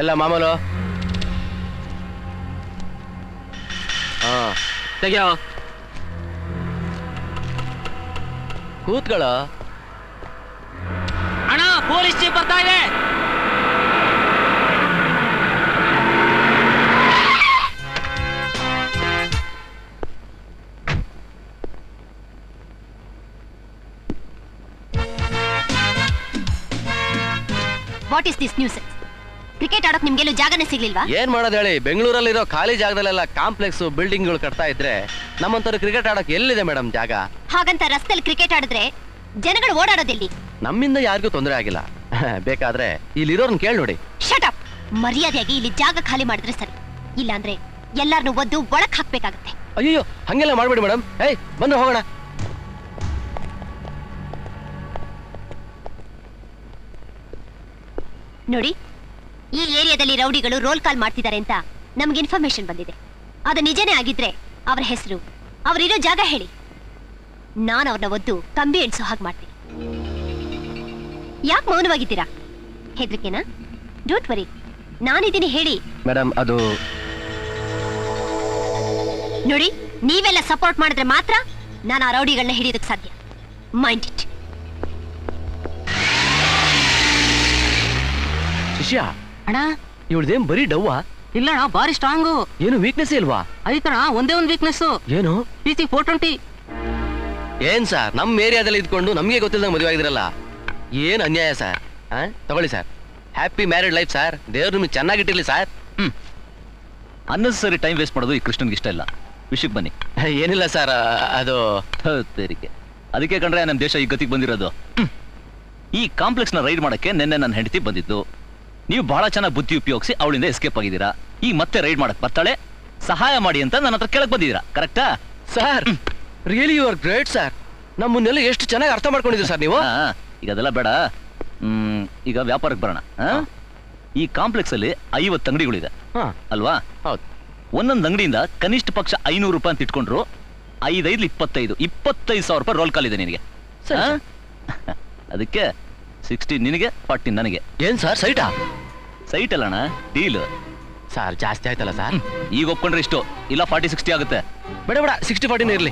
ಎಲ್ಲ ಮಾಮೂಲು. ತೆಗಿಯೋ, ಕೂತ್ಕೊಳ್ಳೋ. ಅಣ್ಣ ಪೊಲೀಸ್ ಜೀಪ್ ಬರ್ತಾ ಇದೆ. What is this news? Cricket ಆಡೋಕ್ ನಿಮ್ಗೆಲ್ಲೂ ಜಾಗನೇ ಸಿಗ್ಲಿಲ್ವಾ? ಏನ್ ಮಾಡೋದು ಹೇಳಿ, ಬೆಂಗಳೂರಲ್ಲಿರೋ ಖಾಲಿ ಜಾಗದಲ್ಲೆಲ್ಲ ಕಾಂಪ್ಲೆಕ್ಸ್ ಬಿಲ್ಡಿಂಗ್ಗಳು ಕಟ್ತಾ ಇದ್ರೆ ನಮ್ಮಂತವ್ರು ಕ್ರಿಕೆಟ್ ಆಡೋಕೆ ಎಲ್ಲಿದೆ ಮೇಡಮ್ ಜಾಗ? ಹಾಗಂತ ರಸ್ತೆಯಲ್ಲಿ ಕ್ರಿಕೆಟ್ ಆಡಿದ್ರೆ ಜನಗಳು ಓಡಾಡೋದೆಲ್ಲಿ? ನಮ್ಮಿಂದ ಯಾರಿಗೂ ತೊಂದರೆ ಆಗಿಲ್ಲ. ಬೇಕಾದ್ರೆ ಇಲ್ಲಿರೋರ್ನ ಕೇಳಿ ನೋಡಿ. Shut up. ಮರ್ಯಾದೆಯಾಗಿ ಇಲ್ಲಿ ಜಾಗ ಖಾಲಿ ಮಾಡಿದ್ರೆ ಸರಿ, ಇಲ್ಲಾಂದ್ರೆ ಎಲ್ಲಾರನ್ನು ಒದ್ದು ಒಳಕ್ ಹಾಕ್ಬೇಕಾಗತ್ತೆ. ಅಯ್ಯೋ, ಹಂಗೆಲ್ಲ ಮಾಡ್ಬೇಡಿ ಮೇಡಮ್. ಏಯ್ ಬನ್ನಿ ಹೋಗೋಣ. ನೋಡಿ, ಈ ಏರಿಯಾದಲ್ಲಿ ರೌಡಿಗಳು ರೋಲ್ ಕಾಲ್ ಮಾಡ್ತಿದ್ದಾರೆ ಅಂತ ನಮ್ಗೆ ಇನ್ಫಾರ್ಮೇಶನ್ ಬಂದಿದೆ. ಅದು ನಿಜನೇ ಆಗಿದ್ರೆ ಅವ್ರ ಹೆಸರು, ಅವರಿರೋ ಜಾಗ ಹೇಳಿ. ನಾನು ಅವ್ರನ್ನ ಒದ್ದು ಕಂಬಿ ಎಣ್ಸೋ ಹಾಗೆ ಮಾಡ್ತೀನಿ. ಯಾಕೆ ಮೌನವಾಗಿದ್ದೀರಾ? ಹೆದರಿಕೆನಾ? ಡೋಂಟ್ ವರಿ, ನಾನಿದ್ದೀನಿ ಹೇಳಿ. ಮೇಡಮ್ ಅದು ನೋಡಿ, ನೀವೆಲ್ಲ ಸಪೋರ್ಟ್ ಮಾಡಿದ್ರೆ ಮಾತ್ರ ನಾನು ಆ ರೌಡಿಗಳನ್ನ ಹಿಡಿಯೋದಕ್ಕೆ ಸಾಧ್ಯ. Mind it. ಶಿಷ್ಯ ಅಣ್ಣ, ಇವಳ್ದೇನ್ ಬರೀ ಡವ್ವಾ? ಇಲ್ಲ ಅಣ್ಣ, ಬಾರಿ ಸ್ಟ್ರಾಂಗು. ಏನು ವೀಕ್ನೆಸ್ ಇಲ್ವಾ? ಐತಣ, ಒಂದೇ ಒಂದು ವೀಕ್ನೆಸ್. ಏನು? PC 420. ಏನ್ ಸರ್, ನಮ್ ಏರಿಯಾದಲ್ಲಿ ಇದ್ಕೊಂಡು ನಮ್ಗೆ ಗೊತ್ತಿಲ್ಲದಂಗೆ ಮದುವೆ ಆಗಿದ್ರಲ್ಲ, ಏನ್ ಅನ್ಯಾಯ ಸರ್. ತಗೊಳ್ಳಿ sir, happy married life sir. ದೇವ್ರು ನಿಮ್ಗೆ ಚೆನ್ನಾಗಿಟ್ಟಿರ್ಲಿ ಸರ್. ಅನ್ನೆಸರಿ ಟೈಮ್ ವೇಸ್ಟ್ ಮಾಡೋದು ಈ ಕೃಷ್ಣನ್ಗೆ ಇಷ್ಟ ಇಲ್ಲ. ವಿಷಯಕ್ಕೆ ಬನ್ನಿ. ಏನಿಲ್ಲ ಸರ್, ಅದು ತೆರಿಗೆ. ಅದಕ್ಕೆ ಕಂಡ್ರೆ ನಮ್ಮ ದೇಶ ಈ ಗತಿಗೆ ಬಂದಿರೋದು. ಈ ಕಾಂಪ್ಲೆಕ್ಸ್ ನ ರೈಡ್ ಮಾಡಕ್ಕೆ ನಿನ್ನೆ ನನ್ನ ಹೆಂಡತಿ ಬಂದಿದ್ದು. ನೀವು ಬಹಳ ಚೆನ್ನಾಗಿ ಬುದ್ಧಿ ಉಪಯೋಗಿಸಿ ಅವಳಿಂದ ಎಸ್ಕೇಪ್ ಆಗಿದ್ದೀರಾ. ಈ ಮತ್ತೆ ರೈಡ್ ಮಾಡಕ್ ಬರ್ತಾಳೆ, ಸಹಾಯ ಮಾಡಿ ಅಂತ ನನ್ನ ಹತ್ರ ಕೇಳಕ್ ಬಂದಿದ್ದೀರಾ. ಕರೆಕ್ಟಾ sir? Really you are great sir. ನಮ್ಮನ್ನೆಲ್ಲ ಎಷ್ಟು ಚೆನ್ನಾಗಿ ಅರ್ಥ ಮಾಡ್ಕೊಂಡಿದ್ದೀರಿ ಸರ್ ನೀವು. ಈಗ ಅದೆಲ್ಲ ಬೇಡ. ಈಗ ವ್ಯಾಪಾರಕ್ಕೆ ಬರೋಣ. ಈ ಕಾಂಪ್ಲೆಕ್ಸ್ ಅಲ್ಲಿ 50 ಅಂಗಡಿಗಳಿದೆ ಅಲ್ವಾ? ಹೌದು. ಒಂದೊಂದು ಅಂಗಡಿಯಿಂದ ಕನಿಷ್ಠ ಪಕ್ಷ 500 ರೂಪಾಯಿ ಅಂತ ಇಟ್ಕೊಂಡ್ರು 5 25,000 ರೂಪಾಯಿ ರೋಲ್ ಕಾಲ್ ಇದೆ ನಿನಗೆ. ಅದಕ್ಕೆ 60 ನಿನಗೆ, 40 ನನಗೆ. ಏನ್ ಸರ್ ಸೈಟಾ? ಸೈಟ್ ಅಲ್ಲಣ್ಣ, ಡೀಲ್. ಸರ್ ಜಾಸ್ತಿ ಆಯ್ತಲ್ಲ ಸರ್. ಈಗ ಒಪ್ಕೊಂಡ್ರೆ ಇಷ್ಟು, ಇಲ್ಲ 40-60 ಆಗುತ್ತೆ. ಬೇಡ ಬೇಡ, 60-40 ಇರ್ಲಿ.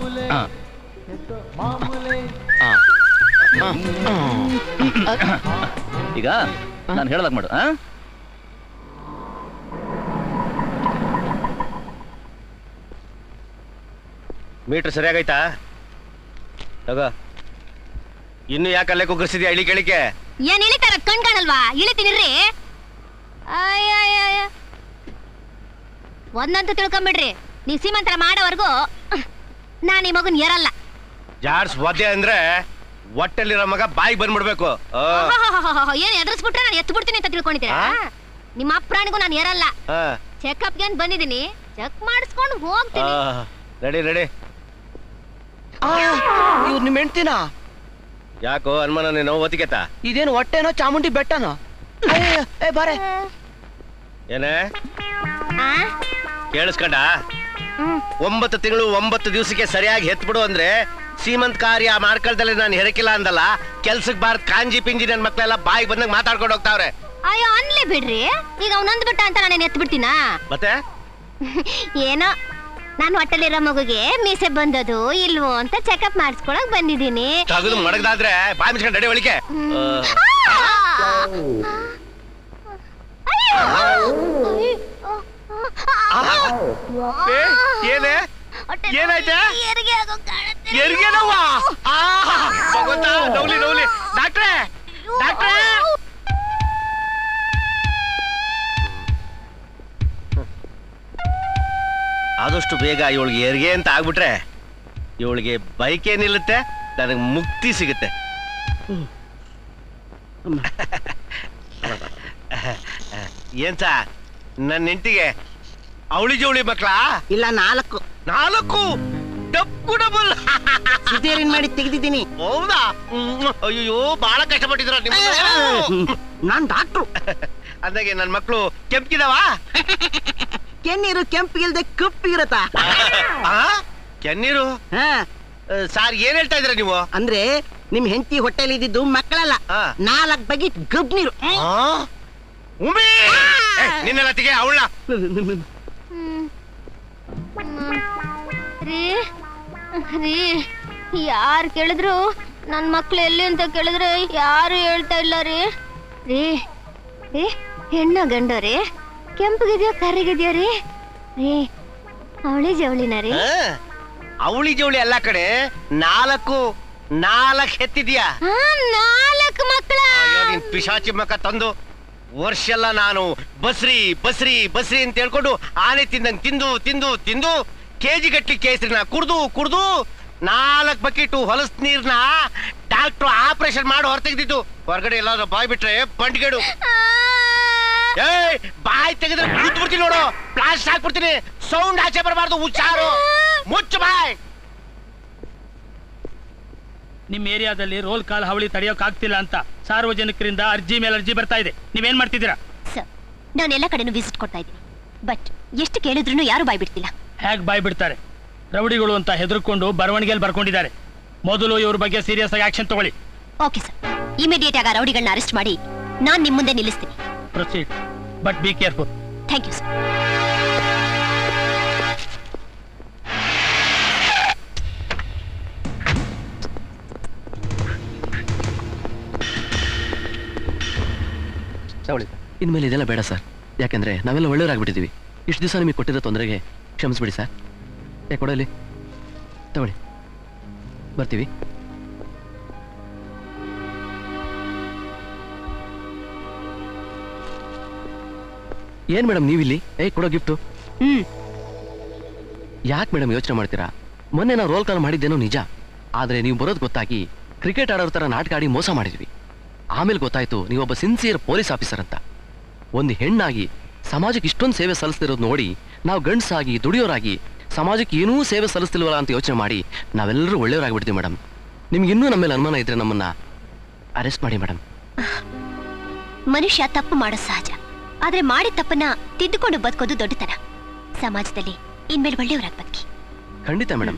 ಈಗ ನಾನು ಹೇಳ್ದಾಗ ಮಾಡು. ಮೀಟರ್ ಸರಿಯಾಗೈತಾ? ತಗೋ. ಇನ್ನು ಯಾಕಲ್ಲೇ ಕುಗ್ಗಿಸಿದ್ಯಾ ಇಳಿ ಕೇಳಿಕೆ? ಏನ್ ಇಳಿತಾರ ಕಣ್ ಕಾಣಲ್ವಾ? ಇಳಿತೀನಿರ್ರಿ. ಒಂದಂತೂ ತಿಳ್ಕೊಂಬಿಡ್ರಿ, ನೀವ್ ಸೀಮಂತರ ಮಾಡೋವರೆಗೂ ನಾನು ಈ ಮಗನ್ ಎರಲ್ಲ. ಜಾರ್ಸ್ ಒದ್ದೆ ಅಂದ್ರೆ ಹೊಟ್ಟೆಲಿರೋ ಮಗ ಬಾಯಿ ಬಂದ್ಬಿಡ್ಬೇಕು. ಏನ್ ಎದುರಿಸ್ಬಿಟ್ರೆ ನಾನು ಎತ್ತು ಬಿಡ್ತೀನಿ ಅಂತ ತಿಳ್ಕೊಂಡಿದ್ದೀರಾ? ನಿಮ್ಮ ಅಪ್ರಾಣಿಗೂ ನಾನು ಎರಲ್ಲ. ಚೆಕಪ್ಗೆ ಅಂತ ಬಂದಿದ್ದೀನಿ, ಚೆಕ್ ಮಾಡಿಸ್ಕೊಂಡು ಹೋಗ್ತೀನಿ. Ready ready. ಇವ್ರು ನಿಮ್ ಹೆಂಡ್ತಿನಾ? ಯಾಕೋ ಅನುಮಾನ ನೀನು ಓದಿಗೆತ? ಇದೇನು ಹೊಟ್ಟೆನೋ ಚಾಮುಂಡಿ ಬೆಟ್ಟನೋ? ಬಾರೆ. ಏನೇ ಕೇಳಿಸ್ಕೊಂಡ? 9 ತಿಂಗಳು 9 ದಿವಸಕ್ಕೆ ಸರಿಯಾಗಿ ಹೆತ್ಬಿಡು ಅಂದ್ರೆ ಸೀಮಂತ್ ಕಾರ್ಯ ಮಾಡ್ಕೊಳ್ದಲ್ಲೇ ನಾನು ಹೆರಕಿಲ್ಲ ಅಂದಲ್ಲ. ಕೆಲ್ಸಕ್ ಬಾರ್ದ್ ಕಾಂಜಿ ಪಿಂಜಿ ನನ್ ಮಕ್ಳೆಲ್ಲ ಬಾಯಿಗೆ ಬಂದಂಗ್ ಮಾತಾಡ್ಕೊಂಡು ಹೋಗ್ತಾವ್ರೆ. ಅಯ್ಯೋ ಅನ್ಲಿ ಬಿಡ್ರಿ, ಈಗ ಅವನೊಂದ್ ಬಿಟ್ಟ ಅಂತ ನಾನೇನ್ ಎತ್ ಬಿಡ್ತೀನಾ? ಮತ್ತೆ ಏನೋ ನಾನು ಹೊಟ್ಟೆಲಿರೋ ಮಗುಗೆ ಮೀಸೆ ಬಂದದು ಇಲ್ವೋ ಅಂತ ಚೆಕಪ್ ಮಾಡಿಸ್ಕೊಳಕ್ ಬಂದಿದ್ದೀನಿ. ತಗದು ಮಡಗದಾದ್ರೆ ಬಾಯಿ ಮುಚ್ಕೊಂಡು ನಡೆ ಒಳಿಕೆ. ಏನೇ ಏನಾಯ್ತಾ? ಹೆರಿಗೆ ನೋವಾ? ನೌಲಿ ನೌಲಿ. ಡಾಕ್ಟ್ರೇ ಡಾಕ್ಟ್ರೇ, ಆದಷ್ಟು ಬೇಗ ಇವಳಿಗೆ ಹೆರಿಗೆ ಅಂತ ಆಗ್ಬಿಟ್ರೆ ಇವಳಿಗೆ ಬೈಕೇ ನಿಲ್ಲುತ್ತೆ, ನನಗೆ ಮುಕ್ತಿ ಸಿಗುತ್ತೆ. ಏನ್ ಸಾ ನನ್ನ ಹೆಂಡತಿಗೆ ಅವಳಿ ಜವಳಿ ಮಕ್ಕಳಾ? ಇಲ್ಲ 4 ಡಬ್ಬು ಡಬಲ್ ಸಿಸೇರಿಯನ್ ಮಾಡಿ ತೆಗೆದಿದ್ದೀನಿ. ಹೌದಾ? ಅಯ್ಯೋ ಬಹಳ ಕಷ್ಟಪಟ್ಟಿದ್ರ ನಿಮ್ಮ. ನಾನ್ ಡಾಕ್ಟ್ರು. ಅಂದಾಗೆ ನನ್ ಮಕ್ಳು ಕೆಂಪಿದಾವ? ಕೆನ್ನೀರು ಕೆಂಪಿಗಿಲ್ದೆ ಕಪ್ಪಿಗಿರತ್ತ. ಕೆನ್ನೀರು? ಸಾರ್ ಏನ್ ಹೇಳ್ತಾ ಇದ್ರ ನೀವು? ಅಂದ್ರೆ ನಿಮ್ ಹೆಂಡತಿ ಹೊಟ್ಟೆಲಿ ಇದ್ದಿದ್ದು ಮಕ್ಕಳಲ್ಲ, 4 ಬಗೆ ಗಬ್ ನೀರು. ಉಮ್ಮಿ ನಿನ್ನೆಲ್ಲ ತೆಗೆ ಅವಳ ರೀ ರೀ ಯಾರು ಕೇಳಿದ್ರು ನನ್ನ ಮಕ್ಳು ಎಲ್ಲಿ ಅಂತ ಕೇಳಿದ್ರೆ ಯಾರು ಹೇಳ್ತಾ ಇಲ್ಲ ರೀ ರೀ ರೀ ಹೆಣ್ಣ ಗಂಡ ರೀ ಕೆಂಪಗಿದ್ಯೋ ಕರಿಗಿದ್ಯೋ ರೀ ರೀ ಅವಳಿ ಜವಳಿನ ರೀ ಅವಳಿ ಜವಳಿ ಎಲ್ಲ ಕಡೆ ನಾಲ್ಕು ಎತ್ತಿದ್ಯಾ 4 ಮಕ್ಕಳ ನಿನ್ ಪಿಶಾಚಿ ಮಕ್ಕ ತಂದು ವರ್ಷ ಎಲ್ಲ ನಾನು ಬಸ್ರಿ ಬಸ್ರಿ ಬಸ್ರಿ ಅಂತ ಹೇಳ್ಕೊಂಡು ಆನೆ ತಿಂದಂಗ್ ತಿಂದು ತಿಂದು ತಿಂದು ಕೆಜಿ ಗಟ್ಲಿ ಕೇಸರಿನ ಕುಡ್ದು 4 ಬಕೆಟ್ ಹೊಲಸ್ ನೀರ್ನ ಡಾಕ್ಟ್ರು ಆಪರೇಷನ್ ಮಾಡಿ ಹೊರತೆಗ್ದಿದ್ದು ಹೊರಗಡೆ ಎಲ್ಲಾದ್ರೂ ಬಾಯ್ ಬಿಟ್ರೆ ಬಂಡ್ಗೇಡು ಏಯ್ ಬಾಯ್ ತೆಗೆದ್ರೆ ಬಿಡ್ತೀನಿ ನೋಡು ಪ್ಲಾಸ್ಟ್ ಹಾಕ್ಬಿಡ್ತೀನಿ ಸೌಂಡ್ ಆಚೆ ಬರಬಾರ್ದು ಹುಚ್ಚಾರು ಮುಚ್ಚು ಬಾಯ್ ನಿಮ್ ಏರಿಯಾದಲ್ಲಿ ರೋಲ್ ಕಾಲ್ ಹಾವಳಿ ತಡೆಯೋಕ್ ಆಗ್ತಿಲ್ಲ ಅಂತ ಸಾರ್ವಜನಿಕರಿಂದ ಅರ್ಜಿ ಮೇಲೆ ಅರ್ಜಿ ಬರ್ತಾ ಇದೆ. ನೀವೇನ್ ಮಾಡ್ತಿದ್ದೀರಾ? ಸರ್ ನಾನು ಎಲ್ಲ ಕಡೆನೂ ವಿಸಿಟ್ ಕೊಡ್ತಾ ಇದ್ದೀನಿ, ಬಟ್ ಎಷ್ಟು ಕೇಳಿದ್ರು ಯಾರು ಬಾಯ್ ಬಿಡ್ತಿಲ್ಲ. ಹೇಗ್ ಬಾಯ್ ಬಿಡ್ತಾರೆ? ರೌಡಿಗಳು ಅಂತ ಹೆದರ್ಕೊಂಡು ಬರವಣಿಗೆಯಲ್ಲಿ ಬರ್ಕೊಂಡಿದ್ದಾರೆ. ಮೊದಲು ಇವ್ರ ಬಗ್ಗೆ ಸೀರಿಯಸ್ ಆಗಿ ಆಕ್ಷನ್ ತಗೊಳ್ಳಿ. ಓಕೆ ಸರ್, ಇಮಿಡಿಯೇಟ್ ಆಗಿ ರೌಡಿಗಳನ್ನ ಅರೆಸ್ಟ್ ಮಾಡಿ ನಾನು ನಿಮ್ಮ ಮುಂದೆ ನಿಲ್ಲಿಸ್ತೀನಿ. Proceed, but be careful. Thank you sir. ಇನ್ಮೇಲೆ ಇದೆಲ್ಲ ಬೇಡ ಸರ್, ಯಾಕೆಂದ್ರೆ ನಾವೆಲ್ಲ ಒಳ್ಳೆಯವರಾಗ್ಬಿಟ್ಟಿದ್ದೀವಿ. ಇಷ್ಟು ದಿವಸ ನಿಮಗೆ ಕೊಟ್ಟಿರೋ ತೊಂದರೆಗೆ ಕ್ಷಮಿಸ್ಬಿಡಿ ಸರ್. ಯಾಕೆ ಕೊಡಲಿ, ತಗೊಳ್ಳಿ, ಬರ್ತೀವಿ. ಏನ್ ಮೇಡಮ್ ನೀವಿಲ್ಲಿ? ಕೊಡೋ ಗಿಫ್ಟು. ಯಾಕೆ ಮೇಡಮ್ ಯೋಚನೆ ಮಾಡ್ತೀರಾ? ಮೊನ್ನೆ ನಾವು ರೋಲ್ ಕಾಲ್ ಮಾಡಿದ್ದೇನೋ ನಿಜ, ಆದ್ರೆ ನೀವು ಬರೋದು ಗೊತ್ತಾಗಿ ಕ್ರಿಕೆಟ್ ಆಡೋರ ತರ ನಾಟಕ ಆಡಿ ಮೋಸ ಮಾಡಿದ್ವಿ. ಆಮೇಲೆ ಗೊತ್ತಾಯ್ತು ನೀವೊಬ್ಬ ಸಿನ್ಸಿಯರ್ ಪೊಲೀಸ್ ಆಫೀಸರ್ ಅಂತ. ಒಂದು ಹೆಣ್ಣಾಗಿ ಸಮಾಜಕ್ಕೆ ಇಷ್ಟೊಂದು ಸೇವೆ ಸಲ್ಲಿಸ್ತಿರೋದು ನೋಡಿ ನಾವು ಗಂಡಸಾಗಿ ದುಡಿಯೋರಾಗಿ ಸಮಾಜಕ್ಕೆ ಏನೂ ಸೇವೆ ಸಲ್ಲಿಸ್ತಿಲ್ವಲ್ಲ ಅಂತ ಯೋಚನೆ ಮಾಡಿ ನಾವೆಲ್ಲರೂ ಒಳ್ಳೆಯವರಾಗ್ಬಿಡ್ತೀವಿ ಮೇಡಮ್. ನಿಮ್ಗಿನ್ನೂ ನಮ್ಮ ಮೇಲೆ ಅನುಮಾನ ಇದ್ರೆ ನಮ್ಮನ್ನ ಅರೆಸ್ಟ್ ಮಾಡಿ ಮೇಡಮ್. ಮನುಷ್ಯ ತಪ್ಪು ಮಾಡೋದು ಸಹಜ, ಆದ್ರೆ ಮಾಡಿದ ತಪ್ಪನ್ನ ತಿದ್ದುಕೊಂಡು ಬದುಕೋದು ದೊಡ್ಡತನ. ಸಮಾಜದಲ್ಲಿ ಇನ್ಮೇಲೆ ಒಳ್ಳೆಯವರಾಗಿ ಬದುಕಿ. ಖಂಡಿತ ಮೇಡಮ್.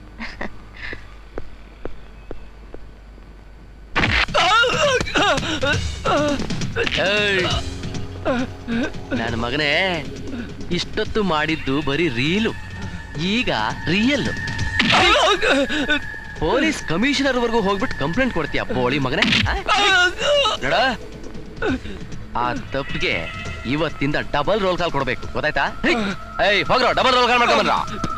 ನನ್ನ ಮಗನೇ, ಇಷ್ಟೊತ್ತು ಮಾಡಿದ್ದು ಬರೀ ರೀಲು, ಈಗ ರಿಯಲ್. ಪೊಲೀಸ್ ಕಮಿಷನರ್ ವರ್ಗೂ ಹೋಗ್ಬಿಟ್ಟು ಕಂಪ್ಲೇಂಟ್ ಕೊಡ್ತೀಯ ಬೋಳಿ ಮಗನೇ. ನೋಡ, ಆ ತಪ್ಪಿಗೆ ಇವತ್ತಿಂದ ಡಬಲ್ ರೋಲ್ ಕಾಲ್ ಕೊಡ್ಬೇಕು, ಗೊತ್ತಾಯ್ತಾ? ಹೋಗ್ರೋ, ಡಬಲ್ ರೋಲ್ ಕಾಲ್ ಮಾಡ್ಕೊಂಡ್ರ.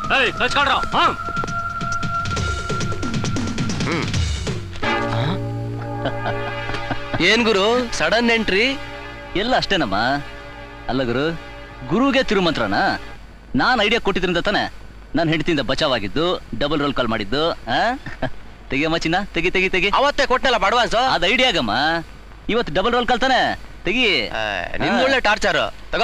ಏನ್ ಗುರು ಸಡನ್ ಎಂಟ್ರಿ? ಎಲ್ಲ ಅಷ್ಟೇನಮ್ಮ. ಅಲ್ಲ ಗುರು, ಗುರುಗೆ ತಿರುಮಂತ್ರನ? ನಾನು ಐಡಿಯಾ ಕೊಟ್ಟಿದ್ರಿಂದ ತಾನೆ ನಾನು ಹೆಂಡತಿಯಿಂದ ಬಚಾವಾಗಿದ್ದು, ಡಬಲ್ ರೋಲ್ ಕಾಲ್ ಮಾಡಿದ್ದು. ತೆಗಿಯಮ್ಮ ಚಿನ್ನ, ತೆಗಿ ತೆಗಿ ತೆಗಿ. ಅವತ್ತೇ ಕೊಟ್ಟಲ್ಲ ಅಡ್ವಾನ್ಸ್. ಅದ್ ಐಡಿಯಾಗಮ್ಮ, ಇವತ್ತು ಡಬಲ್ ರೋಲ್ ಕಾಲ್ ತಾನೆ, ತೆಗಿ. ನಿಮ್ದು ಒಳ್ಳೆ ಟಾರ್ಚರ್. ತಗೋ.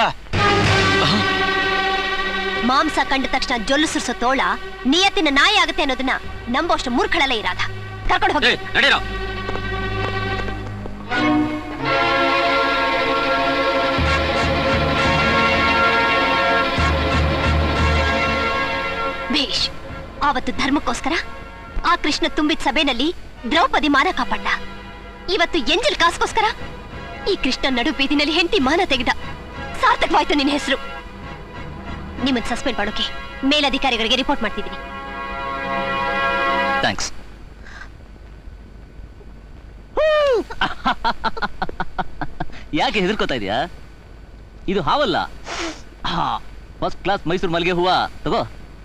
ಮಾಂಸ ಕಂಡ ತಕ್ಷಣ ಜೊಲ್ಲು ಸುರಿಸೋ ತೋಳ ನಿಯತ್ತಿನ ನಾಯಿ ಆಗುತ್ತೆ ಅನ್ನೋದನ್ನ ನಂಬೋಷ್ಟು ಮೂರ್ಖಳಲ್ಲ ಇರಾದ. ಕರ್ಕೊಂಡು ಹೋಗಿ. ನಡೀರೋ. ಭೇಷ್. ಆವತ್ತು ಧರ್ಮಕ್ಕೋಸ್ಕರ ಆ ಕೃಷ್ಣ ತುಂಬಿದ ಸಭೆಯಲ್ಲಿ ದ್ರೌಪದಿ ಮಾನ ಕಾಪಾಡ. ಇವತ್ತು ಎಂಜಲ್ ಕಾಸ್ಗೋಸ್ಕರ ಈ ಕೃಷ್ಣ ನಡು ಬೀದಿನಲ್ಲಿ ಹೆಂಡತಿ ಮಾನ ತೆಗೆದ. ಸಾರ್ಥಕವಾಯ್ತು ನಿನ್ನ ಹೆಸರು. ನಿಮ್ಮನ್ನ ಸಸ್ಪೆಂಡ್ ಮಾಡೋಕೆ ಮೇಲಧಿಕಾರಿಗಳಿಗೆ ರಿಪೋರ್ಟ್ ಮಾಡ್ತಿದ್ದೀನಿ. ಥ್ಯಾಂಕ್ಸ್. ಯಾಕೆ ಹೆದರ್ಕೋತಾ ಇದೆಯಾ? ಇದು ಹಾವಲ್ಲ, ಫಸ್ಟ್ ಕ್ಲಾಸ್ ಮೈಸೂರು ಮಲ್ಲಿಗೆ ಹೂವ. ತಗೋ.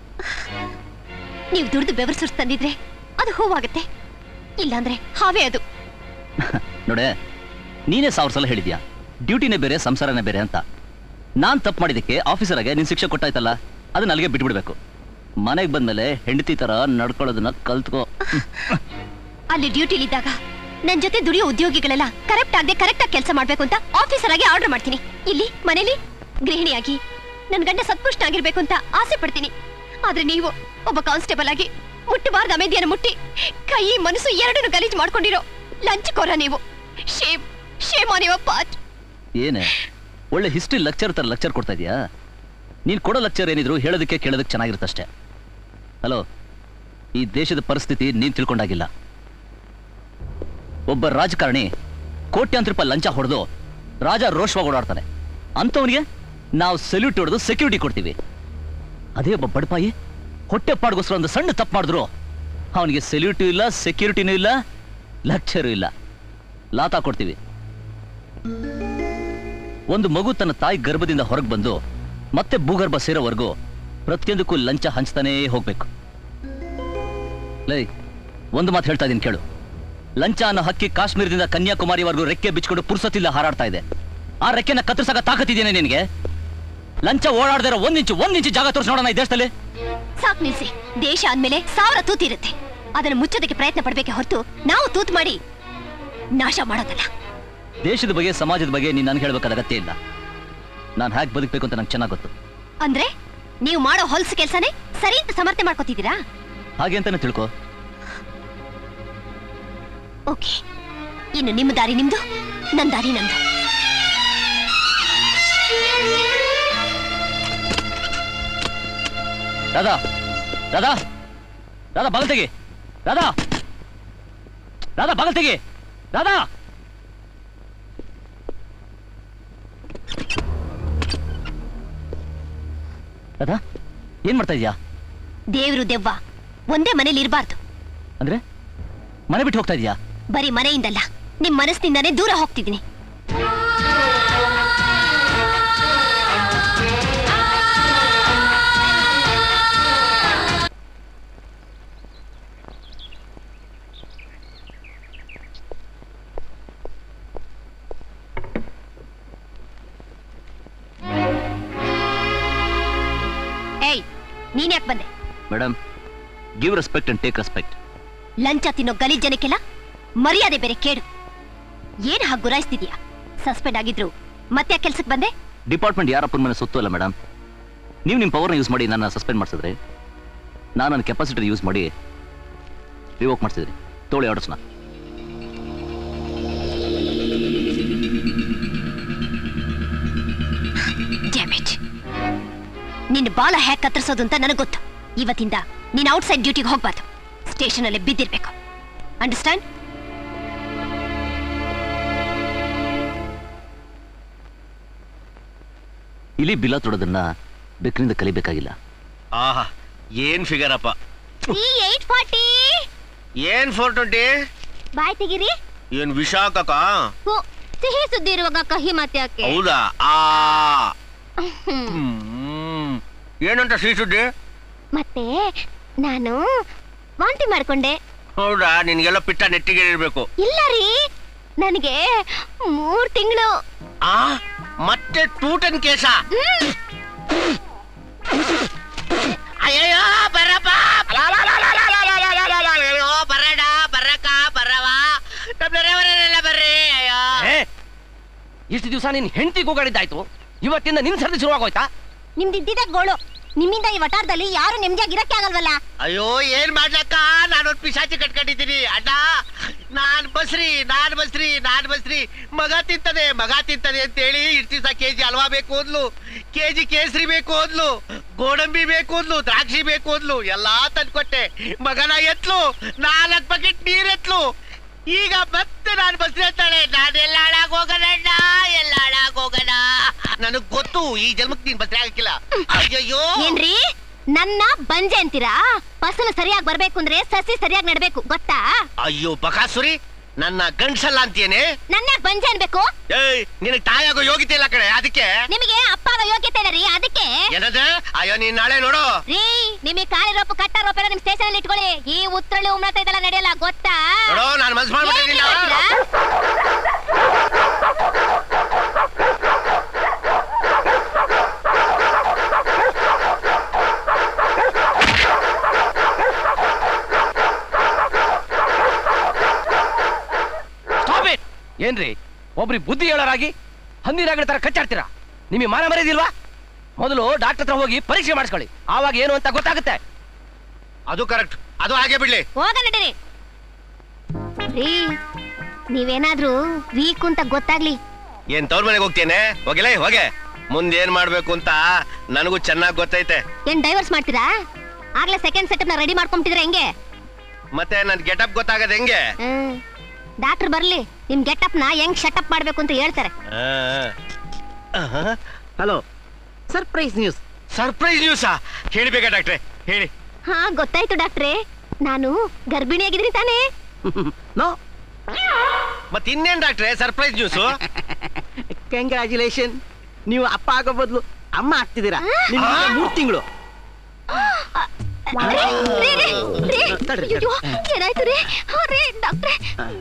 ನೀವು ದುಡ್ದು ಬೆವರು ಸುರ್ಸ್ ತಂದಿದ್ರೆ ಅದು ಹೂವಾಗುತ್ತೆ, ಇಲ್ಲಾಂದ್ರೆ ಹಾವೇ ಅದು. ನೋಡೆ, ನೀನೇ 1000 ಸಲ ಹೇಳಿದ್ಯಾ ಡ್ಯೂಟಿನೇ ಬೇರೆ ಸಂಸಾರನೇ ಬೇರೆ ಅಂತ. ನಾನ್ ತಪ್ಪು ಮಾಡಿದಕ್ಕೆ ಆಫೀಸರ್ ಆಗಿ ನಿನ್ ಶಿಕ್ಷೆ ಕೊಟ್ಟಾಯ್ತಲ್ಲ, ಅದನ್ನ ಅಲ್ಲಿಗೆ ಬಿಟ್ಬಿಡ್ಬೇಕು. ಮನೆಗೆ ಬಂದ್ಮೇಲೆ ಹೆಂಡತಿ ತರ ನಡ್ಕೊಳ್ಳೋದನ್ನ ಕಲ್ತ್ಕೋ. ಅಲ್ಲಿ ಡ್ಯೂಟಿಲಿದ್ದಾಗ ನನ್ ಜೊತೆ ದುಡಿಯೋ ಉದ್ಯೋಗಿಗಳೆಲ್ಲ ಕರೆಕ್ಟ್ ಆಗದೆ ಕರೆಕ್ಟ್ ಆಗಿ ಕೆಲಸ ಮಾಡ್ಬೇಕು ಅಂತ ಆಫೀಸರ್ ಆಗಿ ಆರ್ಡರ್ ಮಾಡ್ತೀನಿ. ಇಲ್ಲಿ ಮನೇಲಿ ಗೃಹಿಣಿಯಾಗಿ ನನ್ ಗಂಡ ಸತ್ಪುಷ್ಟ ಆಗಿರ್ಬೇಕು ಅಂತ ಆಸೆ ಪಡ್ತೀನಿ. ಆದ್ರೆ ನೀವು ಒಬ್ಬ ಕಾನ್ಸ್ಟೇಬಲ್ ಆಗಿ ಮುಟ್ಟಬಾರ್ದ ಅಮೇದಿಯನ್ನು ಮುಟ್ಟಿ ಕೈ ಮನಸ್ಸು ಎರಡನ್ನು ಗಲೀಜ್ ಮಾಡ್ಕೊಂಡಿರೋ ಲಂಚಕೋರ ನೀವು. Shame, shame on your part. ಏನೇ ಒಳ್ಳೆ ಹಿಸ್ಟ್ರಿ ಲೆಕ್ಚರ್ ತರ ಲೆಕ್ಚರ್ ಕೊಡ್ತಾ ಇದೀಯಾ? ನೀನ್ ಕೊಡೋ ಲೆಕ್ಚರ್ ಏನಿದ್ರು ಹೇಳೋದಕ್ಕೆ ಕೇಳೋದಕ್ಕೆ ಚೆನ್ನಾಗಿರುತ್ತಷ್ಟೇ. ಹಲೋ, ಈ ದೇಶದ ಪರಿಸ್ಥಿತಿ ನೀನ್ ತಿಳ್ಕೊಂಡಾಗಿಲ್ಲ. ಒಬ್ಬ ರಾಜಕಾರಣಿ ಕೋಟ್ಯಾಂತರ ರೂಪಾಯಿ ಲಂಚ ಹೊಡೆದು ರಾಜ ರೋಷವಾಗಿ ಓಡಾಡ್ತಾನೆ. ಅಂಥವನಿಗೆ ನಾವು ಸಲ್ಯೂಟ್ ಹೊಡೆದು ಸೆಕ್ಯೂರಿಟಿ ಕೊಡ್ತೀವಿ. ಅದೇ ಒಬ್ಬ ಬಡಪಾಯಿ ಹೊಟ್ಟೆ ಪಾಡ್ಗೋಸ್ಕರ ಒಂದು ಸಣ್ಣ ತಪ್ಪು ಮಾಡಿದ್ರು ಅವನಿಗೆ ಸೆಲ್ಯೂಟು ಇಲ್ಲ, ಸೆಕ್ಯೂರಿಟಿನೂ ಇಲ್ಲ, ಲೆಕ್ಚರು ಇಲ್ಲ, ಲಾತಾ ಕೊಡ್ತೀವಿ. ಒಂದು ಮಗು ತನ್ನ ತಾಯಿ ಗರ್ಭದಿಂದ ಹೊರಗೆ ಬಂದು ಮತ್ತೆ ಭೂಗರ್ಭ ಸೇರೋವರೆಗೂ ಪ್ರತಿಯೊಂದಕ್ಕೂ ಲಂಚ ಹಂಚ್ತಾನೇ ಹೋಗ್ಬೇಕು. ಲೈ, ಒಂದು ಮಾತು ಹೇಳ್ತಾ ಇದೀನಿ ಕೇಳು. ಲಂಚ ಅನ್ನೋ ಹಕ್ಕಿ ಕಾಶ್ಮೀರದಿಂದ ಕನ್ಯಾಕುಮಾರಿವರೆಗೂ ರೆಕ್ಕೆ ಬಿಚ್ಕೊಂಡು ಪುರ್ಸತ್ತಿಲ್ಲ ಹಾರಾಡ್ತಾ ಇದೆ. ಆ ರೆಕ್ಕೆನ ಕತ್ತರಿಸಾಕ ತಾಕತ್ತಿದ್ದೇನೆ ನಿನಗೆ? ಲಂಚ ಓಡಾಡದಿರೋ ಒಂದ್ ಇಂಚು ಜಾಗ ತೋರಿಸಿ ನೋಡೋಣ ಈ ದೇಶದಲ್ಲಿ. ಸಾಕ್ ನಿಲ್ಸಿ. ದೇಶ ಅಂದ್ಮೇಲೆ 1000 ತೂತಿರುತ್ತೆ. ಅದನ್ನು ಮುಚ್ಚೋದಕ್ಕೆ ಪ್ರಯತ್ನ ಪಡ್ಬೇಕೆ ಹೊರತು ನಾವು ತೂತ್ ಮಾಡಿ ನಾಶ ಮಾಡೋದಲ್ಲ. ದೇಶದ ಬಗ್ಗೆ, ಸಮಾಜದ ಬಗ್ಗೆ ನೀನು ನನ್ಗೆ ಹೇಳ್ಬೇಕಾದ ಅಗತ್ಯ ಇಲ್ಲ. ನಾನು ಹ್ಯಾಕ್ ಬದುಕಬೇಕು ಅಂತ ನಂಗೆ ಚೆನ್ನಾಗಿ ಗೊತ್ತು. ಅಂದ್ರೆ ನೀವು ಮಾಡೋ ಹೊಲಸು ಕೆಲಸನೇ ಸರಿ ಅಂತ ಸಮರ್ಥನೆ ಮಾಡ್ಕೋತಿದ್ದೀರಾ? ಹಾಗೆ ಅಂತಾನೆ ತಿಳ್ಕೊ. ಓಕೆ, ಇನ್ನು ನಿಮ್ಮ ದಾರಿ ನಿಮ್ದು, ನನ್ನ ದಾರಿ ನಂದು. ರಾಧಾ, ರಾಧಾ, ರಾಧಾ ಬಾಗಲ್ ತೆಗಿ. ರಾಧಾ, ರಾಧಾ ಬಾಗಲ್ ತೆಗಿ. ರಾಧಾ, ರಾಧಾ ಏನ್ ಮಾಡ್ತಾ ಇದೀಯಾ? ದೇವ್ರು ದೆವ್ವ ಒಂದೇ ಮನೇಲಿ ಇರಬಾರ್ದು. ಅಂದ್ರೆ ಮನೆ ಬಿಟ್ಟು ಹೋಗ್ತಾ ಇದೀಯಾ? ಬರೀ ಮನೆಯಿಂದಲ್ಲ, ನಿಮ್ ಮನಸ್ಸಿನಿಂದಾನೇ ದೂರ ಹೋಗ್ತಿದ್ದೀನಿ. ಏಯ್, ನೀನ್ ಯಾಕೆ ಬಂದೆ? Madam, give respect and take respect. ಲಂಚ ತಿನ್ನೋ ಗಲೀಜ್ ಜನಕ್ಕೆಲ್ಲ ಮರ್ಯಾದೆ ಬೇರೆ ಕೇಡು. ಏನ್ ಹಾಗೆ ಗುರಾಯಿಸ್ತಿದ್ಯಾ? ಸಸ್ಪೆಂಡ್ ಆಗಿದ್ರು ಮತ್ತೆ ಕೆಲ್ಸಕ್ಕೆ ಬಂದೆ? ಡಿಪಾರ್ಟ್ಮೆಂಟ್ ಯಾರಪ್ಪನ ಮನೆ ಸುತ್ತು ಅಲ್ಲ ಮೇಡಮ್. ನೀವು ನಿಮ್ಮ ಪವರ್ನ ಯೂಸ್ ಮಾಡಿ ನನ್ನ ಸಸ್ಪೆಂಡ್ ಮಾಡಿಸಿದ್ರೆ, ನಾನು ನನ್ನ ಕೆಪಾಸಿಟಿ ಯೂಸ್ ಮಾಡಿ ರಿವೋಕ್ ಮಾಡಿಸಿದ್ರಿ. ತೋಳಿ ಆರ್ಡರ್ಸ್ನ. ಡ್ಯಾಮೇಜ್. ನಿನ್ನ ಬಾಲ ಹ್ಯಾಕ್ ಕತ್ತರಿಸೋದು ಅಂತ ನನಗೆ ಗೊತ್ತು. ಇವತ್ತಿಂದ ನೀನ್ ಔಟ್ಸೈಡ್ ಡ್ಯೂಟಿಗೆ ಹೋಗ್ಬಾರ್ದು. ಸ್ಟೇಷನ್ ಅಲ್ಲೇ ಬಿದ್ದಿರ್ಬೇಕು. ಅಂಡರ್ಸ್ಟ್ಯಾಂಡ್? ಇಲಿ ಬಿಲ್ಲ ತೊಡೋದನ್ನ ಬೆಕ್ಕರಿಂದ ಕಲಿಬೇಕಾಗಿಲ್ಲ. ಆಹಾ, ಏನ್ ಫಿಗರ್ ಅಪ್ಪ. 840 ಏನ್ 420? ಬಾಯ್ ತೆಗಿರಿ. ಏನ್ ವಿಷ ಹಾಕಕ? ಸಿಹಿ ಸುದ್ದಿ ಇರುವಾಗ ಕಹಿ ಮಾತೆ ಯಾಕೆ? ಹೌದಾ? ಏನಂತ ಸಿಹಿ ಸುದ್ದಿ? ಮತ್ತೆ ನಾನು ವಾಂತಿ ಮಾಡ್ಕೊಂಡೆ. ಹೌದಾ? ನಿನ್ಗೆಲ್ಲ ಪಿಟ್ಟ ನೆಟ್ಟಿಗೆ ಇರ್ಬೇಕು. ಇಲ್ಲ ರೀ, ನನಗೆ 3 ತಿಂಗಳು. ಮತ್ತೆ ಟೂಟನ್ ಕೇಸ? ಅಯ್ಯೋ ಬರಪ್ಪ, ಬರಡ ಬರಕ ಬರವ ನಮ್ಮೆಲ್ಲ ಬರ್ರಿ. ಅಯ್ಯೋ, ಇಷ್ಟು ದಿವಸ ನಿನ್ ಹೆಂಡತಿ ಕೂಗಾಡಿದ್ದಾಯ್ತು, ಇವತ್ತಿಂದ ನಿನ್ ಸರ್ದಿ ಶುರುವಾಗೋಯ್ತಾ? ನಿಮ್ದಿದ್ದ ಗೋಳು. ನಿಮ್ಮಿಂದ ಈ ವಟಾರದಲ್ಲಿ ಯಾರು ನೆಮ್ಮದಿಯಾಗಿರಕ್ಕೆ ಆಗಲ್ವಲ್ಲ. ಅಯ್ಯೋ ಏನ್ ಮಾಡ್ಲಕ್ಕ, ನಾನೊಂದು ಪಿಶಾಚಿ ಕಟ್ಕೊಂಡಿದ್ದೀನಿ ಅಣ್ಣ. ನಾನ್ ಬಸ್ರಿ ಮಗ ತಿಂತದೆ ಅಂತ ಹೇಳಿ ಇಷ್ಟು ದಿವಸ ಕೆಜಿ ಹಲ್ವಾ ಬೇಕು ಅಂದ್ಲು, ಕೆಜಿ ಕೇಸರಿ ಬೇಕು ಅಂದ್ಲು, ಗೋಡಂಬಿ ಬೇಕು ಅಂದ್ಲು, ದ್ರಾಕ್ಷಿ ಬೇಕು ಅಂದ್ಲು, ಎಲ್ಲಾ ತಂದ್ಕೊಟ್ಟೆ. ಮಗನ ಎತ್ಲು, 4 ಬಕೆಟ್ ನೀರ್ ಎತ್ಲು. ಈಗ ಮತ್ತೆ ನಾನು ಬಸ್ರಿ ಅಂತಾಳೆ. ನಾನು ಎಲ್ಲ ಹಾಳಾಗೋಗಣ, ನನಗ್ ಗೊತ್ತು ಈ ಜನ್ಮಕ್ಕೆ ನೀನ್ ಬಸ್ರಿ ಆಗಕ್ಕಿಲ್ಲ. ಅಯ್ಯಯ್ಯೋ, ಏನ್ರಿ ನನ್ನ ಬಂಜೆ ಅಂತೀರಾ? ಫಸಲು ಸರಿಯಾಗಿ ಬರ್ಬೇಕು ಅಂದ್ರೆ ಸಸಿ ಸರಿಯಾಗಿ ನಡ್ಬೇಕು, ಗೊತ್ತಾ? ಅಯ್ಯೋ ಬಕಾಸುರಿ, ನನ್ನ ಗಂಡ್ಸಲ್ಲ ಅಂತೀಯೇನೆ? ನನ್ನ ಬಂಜೆ ಅನ್ಬೇಕು? ಏಯ್, ನಿನಗ್ ತಾಯಾಗೋ ಯೋಗ್ಯತೆ ಇಲ್ಲ ಕಡೆ, ಅದಕ್ಕೆ. ನಿಮಗೆ ಅಪ್ಪಾಗ ಯೋಗ್ಯತೆ ಇಲ್ಲ ರೀ, ಅದಕ್ಕೆ. ಏನದ? ಅಯ್ಯೋ ನೀನ್ ನಾಳೆ ನೋಡು ರೀ, ನಿಮಗೆ ಕಾಲಿ ರೋಪ ಕಟ್ಟ ರೋಪ ಎಲ್ಲ ನಿಮ್ ಸ್ಟೇಷನ್ ಅಲ್ಲಿ ಇಟ್ಕೊಳ್ಳಿ. ಈ ಉತ್ತರಳ್ಳಿ ಉಮ್ನತ ಇದೆಲ್ಲ ನಡೆಯಲ್ಲ, ಗೊತ್ತಾ? ನೋಡು, ನಾನು ಮನ್ಸು ಮಾಡ್ಬಿಟ್ಟಿದ್ದೀನಿ. ಏನ್ರಿ ಒಬ್ರಿ ಬುದ್ಧಿ ಹೇಳೋರಾಗಿ ಹಂದಿರಾಗಲಿ ತರ ಕಚ್ಚಾಡ್ತೀರಾ? ನಿಮಗೆ ಮಾನ ಮರ್ಯಾದಿಲ್ವಾ? ಮೊದಲು ಡಾಕ್ಟರ್ ಹತ್ರ ಹೋಗಿ ಪರೀಕ್ಷೆ ಮಾಡಿಸ್ಕೊಳ್ಳಿ, ಆವಾಗ ಏನು ಅಂತ ಗೊತ್ತಾಗುತ್ತೆ. ಅದು ಕರೆಕ್ಟ್, ಅದು ಹಾಗೆ ಬಿಡ್ಲಿ. ಹೋಗ ನಡೀರಿ. ರೀ, ನೀವೇನಾದ್ರೂ ವೀಕ್ ಅಂತ ಗೊತ್ತಾಗ್ಲಿ. ಏನ್ ತವ್ರ ಮನೆಗೆ ಹೋಗ್ತೇನೆ? ಹೋಗಿಲ್ಲ, ಹೋಗೆ. ಮುಂದೆ ಏನ್ ಮಾಡ್ಬೇಕು ಅಂತ ನನಗೂ ಚೆನ್ನಾಗಿ ಗೊತ್ತೈತೆ. ಏನ್ ಡೈವರ್ಸ್ ಮಾಡ್ತೀರಾ? ಆಗ್ಲೇ ಸೆಕೆಂಡ್ ಸೆಟಪ್ ನ ರೆಡಿ ಮಾಡ್ಕೊಂತಿದ್ರೆ ಹೆಂಗೆ? ಮತ್ತೆ ನನ್ ಗೆಟಪ್ ಗೊತ್ತಾಗದ ಹೆಂಗೆ? ಡಾಕ್ಟರ್ ಬರ್ಲಿ. ನಿಮ್ ಗೆಟಪ್ ನ ಹೆಂಗ್ ಶಟಪ್ ಮಾಡ್ಬೇಕು ಅಂತ ಹೇಳ್ತಾರೆ. Hello, surprise news. ಸರ್ಪ್ರೈಸ್ ನ್ಯೂಸಾ? ಹೇಳ್ಬೇಕಾ ಡಾಕ್ಟ್ರೆ, ಹೇಳಿ. ಹಾ ಗೊತ್ತಾಯ್ತು ಡಾಕ್ಟ್ರೆ, ನಾನು ಗರ್ಭಿಣಿಯಾಗಿದ್ದೀನಿ ತಾನೇ. ನೋ, ಮತ್ ಇನ್ನೇನ್ ಡಾಕ್ಟ್ರೆ ಸರ್ಪ್ರೈಸ್ ನ್ಯೂಸು? ಕಂಗ್ರ್ಯಾಚುಲೇಷನ್, ನೀವು ಅಪ್ಪ ಆಗೋ ಬದಲು ಅಮ್ಮ ಆಗ್ತಿದ್ದೀರಾ. ನಿಮ್ಗೆ 3 ತಿಂಗಳು. ಏನಾಯ್ತು ರೀ? ಡಾಕ್ಟ್ರೆ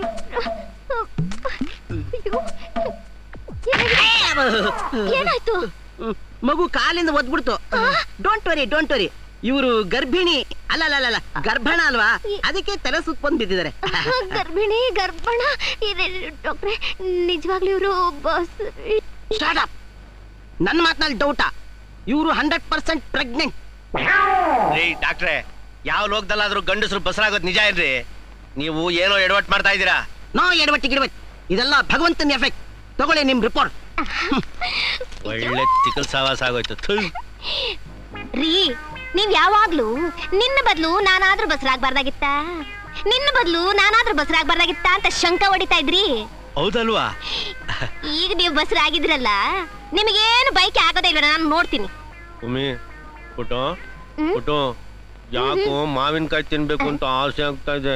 ಏನಾಯ್ತು? ಮಗು ಕಾಲಿಂದ ಒದ್ಬಿಡ್ತು. ಡೋಂಟ್ ವರಿ, ಇವರು ಗರ್ಭಿಣಿ ಅಲ್ಲ ಗರ್ಭಣ ಅಲ್ವಾ, ಅದಕ್ಕೆ ತಲೆ ಸುತ್ತ ಬಂದು ಬಿದ್ದಿದ್ದಾರೆ. ಗರ್ಭಣ ಡಾಕ್ಟ್ರೆ, ನಿಜವಾಗ್ಲೂ ಇವರು ಸ್ಟಾರ್ಟ್. ನನ್ನ ಮಾತಿನಲ್ಲಿ ಡೌಟಾ? ಇವರು 100% ಪ್ರೆಗ್ನೆಂಟ್. ರೀ ಡಾಕ್ಟ್ರೆ, ಯಾವ ಲೋಕದಲ್ಲಾದ್ರೂ ಗಂಡಸರು ಬಸರಾಗೋದು ನಿಜ ಏನ್ರಿ? ನೀವು ಏನೋ ಎಡವಟ್ ಮಾಡ್ತಾ ಇದ್ದೀರಾ. ನೋ ಎಡವಟ್ಟಿ, ಇದೆಲ್ಲ ಭಗವಂತನ ಎಫೆಕ್ಟ್. ತಗೊಳ್ಳಿ ನಿಮ್ ರಿಪೋರ್ಟ್. ಒಳ್ಳೆ ತಿಕ್ಕಲ್ ಸಾವಾಸ ಆಗೋಯ್ತು. ರೀ, ನೀವ್ ಯಾವಾಗ್ಲೂ ನಿನ್ನ ಬದ್ಲು ನಾನಾದ್ರೂ ಬಸರಾಗ್ಬಾರ್ದಾಗಿತ್ತ, ನಿನ್ನ ಬದ್ಲು ನಾನಾದ್ರೂ ಬಸರಾಗ್ಬಾರ್ದಾಗಿತ್ತ ಅಂತ ಶಂಕ ಹೊಡಿತಾ ಇದ್ರಿ. ಹೌದಲ್ವಾ? ಈಗ ನೀವು ಬಸರಾಗಿದ್ರಲ್ಲ, ನಿಮಗೇನು ಬೈಕ್ ಆಗೋದೇ ಇಲ್ಲ. ನಾನು ನೋಡ್ತೀನಿ. ಉಮಿ ಪುಟೋ ಪುಟೋ, ಯಾಕೋ ಮಾವಿನಕಾಯಿ ತಿನ್ಬೇಕು ಅಂತ ಆಸೆ ಆಗ್ತಾ ಇದೆ.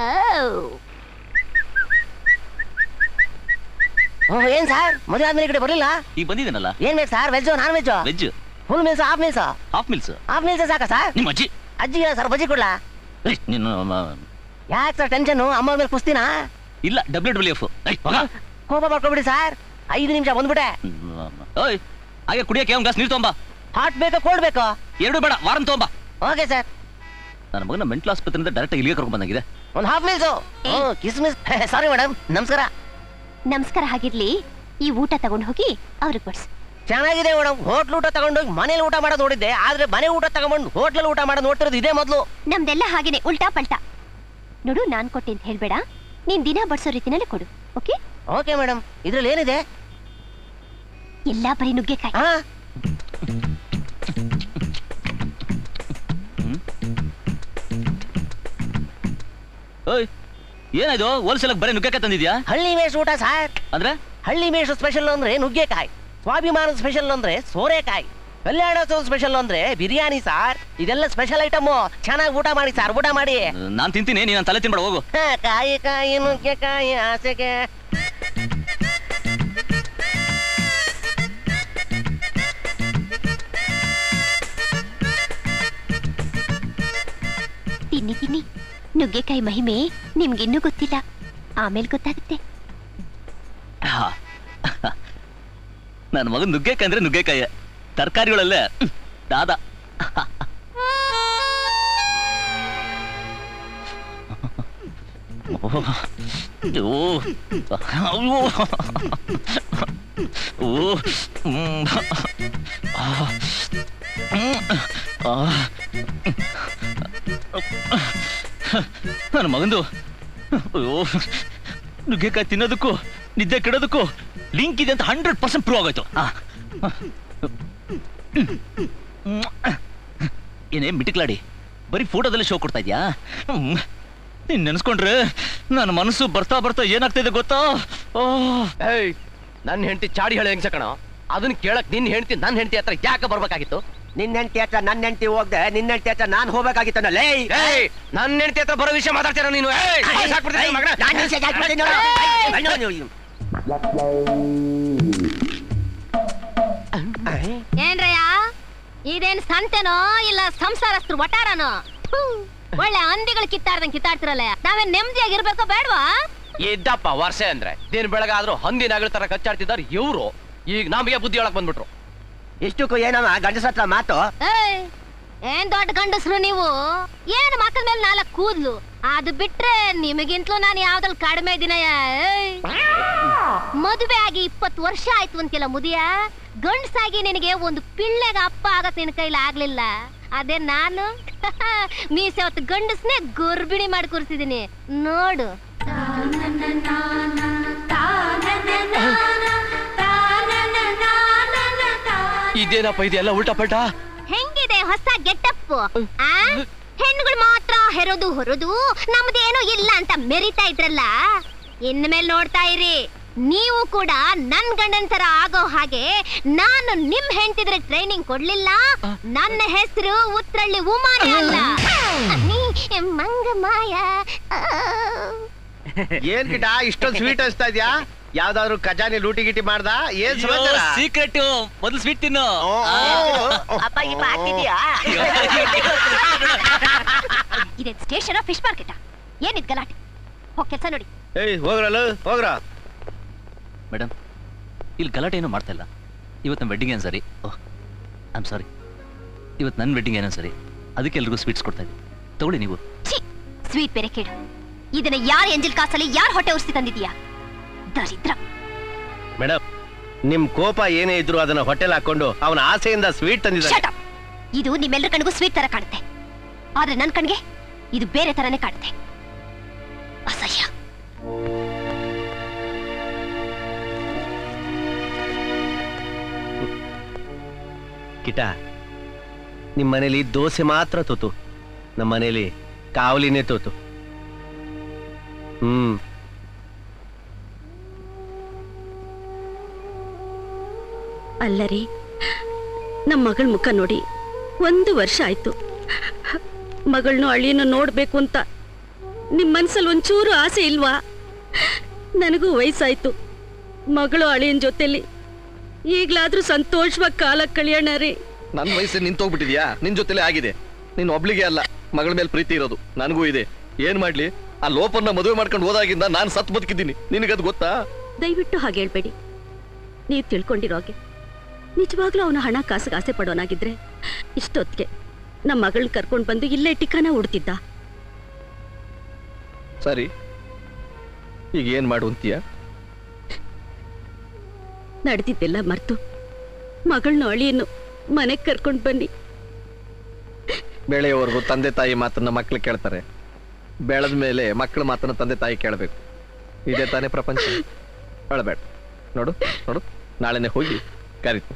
ಏನ್ ಸರ್, ಮದುವೆ ಆದ್ಮೇಲೆ ಈ ಕಡೆ ಬರ್ಲಿಲ್ಲ? ಈಗ ಬಂದಿದ್ದೀನಲ್ಲ. ಏನ್ ಬೇಕು sir? Veg non veg? Veg. Full meals, half meals? Half meals. Half meals ಸಾಕ ಸರ್? ನಿಮ್ಮ ಅಜ್ಜಿ ಅಜ್ಜಿಗೆ ಸರ್ ಬಜ್ಜಿ ಕೊಡ್ಲಾ? ನೀನು ಯಾಕೆ ಸರ್ ಟೆನ್ಷನ್? ಅಮ್ಮ ಮೇಲೆ ಕುಸ್ತಿನಾ? ಇಲ್ಲ, WWF. ಕೋಪ ಮಾಡ್ಕೊಬಿಡಿ ಸರ್. 5 ನಿಮಿಷ ಬಂದ್ಬಿಟ್ಟೆ. ಓಯ್, ಹಾಗೆ ಕುಡಿಯಕ್ಕೆ ಒಂದು ಗ್ಲಾಸ್ ನೀರು ತೊಂಬ. ಹಾಟ್ ಬೇಕಾ ಕೋಲ್ಡ್ ಬೇಕಾ? ಎರಡು ಬೇಡ, ವಾರಂ ತೊಂಬ. Okay sir. ನನ್ನ ಮಗನ ಮೆಂಟಲ್ ಆಸ್ಪತ್ರೆಯಿಂದ ಡೈರೆಕ್ಟ್ ಇಲ್ಲಿಗೆ ಕರ್ಕೊಂಡು ಬಂದಾಗಿದೆ. ಒಂದು half meals. Kiss miss. Sorry madam, ನಮಸ್ಕಾರ. ನಮಸ್ಕಾರ. ಹಾಗಿರ್ಲಿ, ಈ ಊಟ ತಗೊಂಡು ಹೋಗಿ ಅವ್ರಿಗೆ ಕೊಡ್ಸಿ. ಚೆನ್ನಾಗಿದೆ ಮೇಡಮ್. ಹೋಟ್ಲ್ ಊಟ ತಗೊಂಡೋಗಿ ಮನೇಲಿ ಊಟ ಮಾಡೋದು ನೋಡಿದ್ದೆ, ಆದ್ರೆ ಮನೆ ಊಟ ತಗೊಂಡು ಹೋಟ್ಲಲ್ಲಿ ಊಟ ಮಾಡೋದು ನೋಡ್ತಿರೋದು ಇದೇ ಮೊದಲು. ನಮ್ದೆಲ್ಲ ಹಾಗೇನೆ, ಉಲ್ಟಾ ಪಲ್ಟಾ. ನೋಡು, ನಾನ್ ಕೊಟ್ಟೆ ಅಂತ ಹೇಳ್ಬೇಡ, ನೀನ್ ದಿನ ಬಡ್ಸೋ ರೀತಿನಲ್ಲೇ ಕೊಡು. ಓಕೆ? Okay madam. ಇದ್ರಲ್ಲಿ ಏನಿದೆ? ಎಲ್ಲಾ ಬರೀ ನುಗ್ಗೆಕಾಯಿ. ಹಾ, ಓಯ್, ಏನಾಯ್ತು? ಹೋಲ್ಸೇಲಾಗಿ ಬರೀ ನುಗ್ಗೆಕಾಯಿ ತಂದಿದ್ಯಾ? ಹಳ್ಳಿ ಮೇಷ್ ಊಟ ಸರ್. ಅಂದ್ರೆ ಹಳ್ಳಿ ಮೇಷ್ ಸ್ಪೆಷಲ್ ಅಂದ್ರೆ ನುಗ್ಗೆಕಾಯಿ, ಸ್ವಾಭಿಮಾನದ ಸ್ಪೆಷಲ್ ಅಂದ್ರೆ ಸೋರೆಕಾಯಿ, ಕಲ್ಯಾಣೋತ್ಸವ ಸ್ಪೆಷಲ್ ಅಂದ್ರೆ ಬಿರಿಯಾನಿ ಸಾರ್. ಇದೆಲ್ಲ ಸ್ಪೆಷಲ್ ಐಟಮ್. ಚೆನ್ನಾಗಿ ಊಟ ಮಾಡಿ ಸಾರ್, ಊಟ ಮಾಡಿ. ನಾನ್ ತಿಂತೀನಿ, ನೀನ್ ತಲೆ ತಿನ್ಬೇಡ, ಹೋಗು. ಕಾಯಿ ಕಾಯಿ ನುಗ್ಗೆಕಾಯಿ ಆಸೆಗೆ. ತಿನ್ನಿ ತಿನ್ನಿ, ನುಗ್ಗೆಕಾಯಿ ಮಹಿಮೆ ನಿಮ್ಗಿನ್ನೂ ಗೊತ್ತಿಲ್ಲ, ಆಮೇಲೆ ಗೊತ್ತಾಗುತ್ತೆ. ನನ್ನ ಮಗನ್ ನುಗ್ಗೆಕಾಯಿ ಅಂದ್ರೆ ನುಗ್ಗೆಕಾಯಿ, ತರಕಾರಿಗಳಲ್ಲೇ ದಾದ. ನನ್ನ ಮಗಂದು ನುಗ್ಗೆಕಾಯಿ ತಿನ್ನೋದಕ್ಕೂ ನಿದ್ದೆ ಕೆಡೋದಕ್ಕೂ ಲಿಂಕ್ ಇದೆ ಅಂತ 100% ಪ್ರೂವ್ ಆಗೋಯ್ತು. ಏನೇ ಮಿಟಿಕ್ಲಾಡಿ, ಬರೀ ಫೋಟೋದಲ್ಲಿ ಶೋ ಕೊಡ್ತಾ ಇದ್ಯಾ? ನೀನ್ ನೆನ್ಸ್ಕೊಂಡ್ರೆ ನನ್ನ ಮನಸ್ಸು ಬರ್ತಾ ಬರ್ತಾ ಏನಾಗ್ತಾ ಇದೆ ಗೊತ್ತಾ? ಏಯ್, ನನ್ನ ಹೆಂಡತಿ ಚಾಡಿ ಹೇಳ ಹೆಂಗ್ಸ ಕಣ. ಅದನ್ನ ಕೇಳಕ್ ನಿನ್ ಹೆಂಡತಿ ನನ್ನ ಹೆಂಡತಿ ಹತ್ರ ಯಾಕೆ ಬರ್ಬೇಕಾಗಿತ್ತು? ನಿನ್ನ ಹೆಂಡತಿ ಹತ್ರ ನನ್ನ ಹೆಂಡತಿ ಹೋಗ್ದೆ, ನಿನ್ನ ಹೆಂಡತಿ ಹತ್ರ ನಾನು ಹೋಗ್ಬೇಕಾಗಿತ್ತಲ್ಲ. ನನ್ನ ಹೆಂಡತಿ ಹತ್ರ ಬರೋ ವಿಷಯ ಮಾತಾಡ್ತೀರ ನೀನು? ಏನ್ರಯ್ಯ, ಇದೇನ್ ಸಂತೆನೋ ಇಲ್ಲ ಸಂಸಾರಸ್ಥರು ವಟಾರನೋ? ಒಳ್ಳೆ ಹಂದಿಗಳು ಕಿತ್ತಾಡ್ತಿರಲ್ಲ. ನಾವೇನ್ ನೆಮ್ಮದಿಯಾಗಿರ್ಬೇಕೋ ಬೇಡವಾ? ಇದ್ದಪ್ಪ ವರ್ಷ ಅಂದ್ರೆ ದಿನ ಬೆಳಗಾದ್ರೂ ಹಂದಿನಾಗಳ ತರ ಕಚ್ಚಾಡ್ತಿದ್ದಾರೆ ಇವ್ರು. ಈಗ ನಮಗೆ ಬುದ್ಧಿ ಒಳಗ್ ಬಂದ್ಬಿಟ್ರು. ಇಷ್ಟಕ್ಕೂ ಏನಮ್ಮ ಗಂಡಸ ಹತ್ರ ಮಾತು? ಏನ್ ದೊಡ್ಡ ಗಂಡಸ್ರು ನೀವು? ಏನು ಮಕ್ಕಳ ಮೇಲೆ 4 ಕೂದ್ಲು, ಅದು ಬಿಟ್ರೆ ನಿಮಗಿಂತಲೂ ನಾನು ಯಾವ್ದ್ರಲ್ಲಿ ಕಡಿಮೆ ದಿನಯ. ಮದುವೆ ಆಗಿ 20 ವರ್ಷ ಆಯ್ತು ಅಂತಿಲ್ಲ ಮುದಿಯ. ಗಂಡಸಾಗಿ ನಿನಗೆ ಒಂದು ಪಿಳ್ಳೆಗ ಅಪ್ಪ ಆಗಕ್ ನಿನ್ ಕೈಲಿ ಆಗ್ಲಿಲ್ಲ. ಅದೇ ನಾನು ಮೀಸೆ ಹೊತ್ತು ಗಂಡಸ್ನೇ ಗರ್ಭಿಣಿ ಮಾಡಿ ಕೂರಿಸಿದೀನಿ ನೋಡು. ಇದೇನಪ್ಪ ಇದೆಲ್ಲ ಉಲ್ಟಾ ಪಲ್ಟಾ? ಹೆಂಗಿದೆ ಹೊಸ ಗೆಟಪ್? ಹೆಣ್ಣುಗಳು ಮಾತ್ರ ಹೆರೋದು ಹೊರೋದು, ನಮ್ದೇನೋ ಇಲ್ಲ ಅಂತ ಮೆರಿತಾ ಇದ್ರಲ್ಲ. ಇನ್ಮೇಲೆ ನೋಡ್ತಾ ಇರಿ, ನೀವು ಕೂಡ ನನ್ ಗಂಡನ್ ತರ ಆಗೋ ಹಾಗೆ ನಾನು ನಿಮ್ ಹೆಂಡ್ತಿದ್ರೆ ಟ್ರೈನಿಂಗ್ ಕೊಡ್ಲಿಲ್ಲ. ನನ್ನ ಹೆಸರು ಉತ್ರಳ್ಳಿ ಉಮಾಯ ಅಲ್ಲ, ಮಂಗಮಾಯ. ಏನ್ ಗಿಟ ಇಷ್ಟೊಂದು ಸ್ವೀಟ್ ಅನ್ಸ್ತಾ ಇದ್ಯಾ? ಯಾವ್ದಾದ್ರು ಖಜಾನೆ ಲೂಟಿ ಗಿಟಿ ಮಾಡ್ದ? ಏನ್ ಸಮಾಚಾರ? ಸೀಕ್ರೆಟ್ ಮೊದಲು ಸ್ವೀಟ್ ತಿನ್ನು. ಅಪ್ಪ ಈ ಹಾಕಿದ್ಯಾ? ಇದೆ ಸ್ಟೇಷನ್ ಫಿಶ್ ಮಾರ್ಕೆಟ್, ಏನಿದ್ ಗಲಾಟೆ? ಹೋಗ್ ಕೆಲ್ಸ ನೋಡಿ. ಏಯ್ ಹೋಗ್ರಲ್ಲ, ಹೋಗ್ರ. ಮೇಡಮ್, ಇಲ್ಲಿ ಗಲಾಟೆ ಏನೂ ಮಾಡ್ತಾ ಇಲ್ಲ. ಇವತ್ತು ನಮ್ಮ ವೆಡ್ಡಿಂಗ್ ಏನು ಸರಿ. Oh I am sorry. ಇವತ್ತು ನನ್ನ ವೆಡ್ಡಿಂಗ್ ಏನೋ ಸರಿ, ಅದಕ್ಕೆ ಎಲ್ರಿಗೂ ಸ್ವೀಟ್ಸ್ ಕೊಡ್ತಾ ಇದ್ದೀನಿ. ತಗೊಳ್ಳಿ ನೀವು. ಸ್ವೀಟ್ ಬೇರೆ ಕೇಳು. ಇದನ್ನ ಯಾರ ಎಂಜಲ್ ಕಾಸಲ್ಲಿ ಯಾರ ಹೊಟ್ಟೆ ಉರ್ಸಿ ತಂದಿದೀಯಾ? ದರಿದ್ರ. ಮೇಡಮ್, ನಿಮ್ ಕೋಪ ಏನೇ ಇದ್ರು ಅದನ್ನ ಹೊಟ್ಟೆಲ್ ಹಾಕೊಂಡು ಅವನ ಆಸೆಯಿಂದ ಸ್ವೀಟ್ ತಂದಿದ್ದಾನೆ. ಇದು ನಿಮ್ಮೆಲ್ಲರ ಕಣ್ಗೂ ಸ್ವೀಟ್ ತರ ಕಾಣುತ್ತೆ, ಆದ್ರೆ ನನ್ ಕಣ್ಗೆ ಇದು ಬೇರೆ ತರನೇ ಕಾಣುತ್ತೆ. ಅಸಹ್ಯ. ಕಿಟ, ನಿಮ್ ಮನೇಲಿ ದೋಸೆ ಮಾತ್ರ ತೋತು, ನಮ್ಮ ಮನೇಲಿ ಕಾವಲಿನೇ ತೋತು. ಅಲ್ಲರಿ, ನಮ್ಮ ಮಗಳ ಮುಖ ನೋಡಿ 1 ವರ್ಷ ಆಯ್ತು. ಮಗಳನ್ನೂ ಅಳಿಯನ್ನು ನೋಡ್ಬೇಕು ಅಂತ ನಿಮ್ಮ ಮನ್ಸಲ್ಲಿ ಒಂಚೂರು ಆಸೆ ಇಲ್ವಾ? ನನಗೂ ವಯಸ್ಸಾಯ್ತು. ಮಗಳು ಅಳಿಯನ್ ಜೊತೆಲಿ ಈಗ್ಲಾದ್ರೂ ಸಂತೋಷವಾಗಿ ಕಾಲ ಕಳಿಯೋಣ ರೀ. ನನ್ನ ವಯಸ್ಸು ನಿಂತೋಗ್ಬಿಟ್ಟಿದ್ಯಾ? ನಿನ್ ಜೊತೆಲೆ ಆಗಿದೆ. ನೀನ್ ಒಬ್ಳಿಗೆ ಅಲ್ಲ, ಮಗಳ ಮೇಲೆ ಪ್ರೀತಿ ಇರೋದು ನನಗೂ ಇದೆ. ಏನ್ ಮಾಡ್ಲಿ, ಆ ಲೋಪನ್ನ ಮದುವೆ ಮಾಡ್ಕೊಂಡು ಹೋದಾಗಿಂದ ನಾನು ಸತ್ ಬದುಕಿದ್ದೀನಿ. ನಿನಗದು ಗೊತ್ತಾ? ದಯವಿಟ್ಟು ಹಾಗೆ ಹೇಳ್ಬೇಡಿ. ನೀವು ತಿಳ್ಕೊಂಡಿರೋ ಹಾಗೆ ನಿಜವಾಗ್ಲೂ ಅವನ ಹಣ ಕಾಸಿಗೆ ಆಸೆ ಪಡೋನಾಗಿದ್ರೆ ಇಷ್ಟೊತ್ತಿಗೆ ನಮ್ಮ ಮಗಳನ್ನ ಕರ್ಕೊಂಡು ಬಂದು ಇಲ್ಲೇ ಟಿಕಾನ ಉಡ್ತಿದ್ದ. ಸರಿ, ಈಗ ಏನ್ ಮಾಡು ಅಂತೀಯ? ನಡೆದಿದ್ದೆಲ್ಲ ಮರ್ತು ಮಗಳನ್ನ ಅಳಿಯನ್ನು ಮನೆಗೆ ಕರ್ಕೊಂಡು ಬನ್ನಿ. ಬೆಳೆಯವರೆಗೂ ತಂದೆ ತಾಯಿ ಮಾತನ್ನ ಮಕ್ಳು ಕೇಳ್ತಾರೆ, ಬೆಳೆದ ಮೇಲೆ ಮಕ್ಕಳ ಮಾತನ್ನ ತಂದೆ ತಾಯಿ ಕೇಳಬೇಕು. ಇದೇ ತಾನೇ ಪ್ರಪಂಚ. ಅಳಬೇಡ. ನೋಡು ನೋಡು, ನಾಳೆನೆ ಹೋಗಿ ಕರೀತು.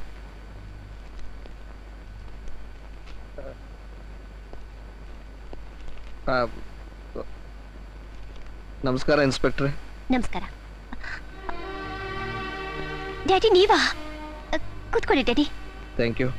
ನಮಸ್ಕಾರ ಇನ್ಸ್ಪೆಕ್ಟ್ರೆ. ನಮಸ್ಕಾರ. ಡ್ಯಾಡಿ ನೀವಾ? ಕೂತ್ಕೊಳ್ಳಿ ಡ್ಯಾಡಿ. Thank you.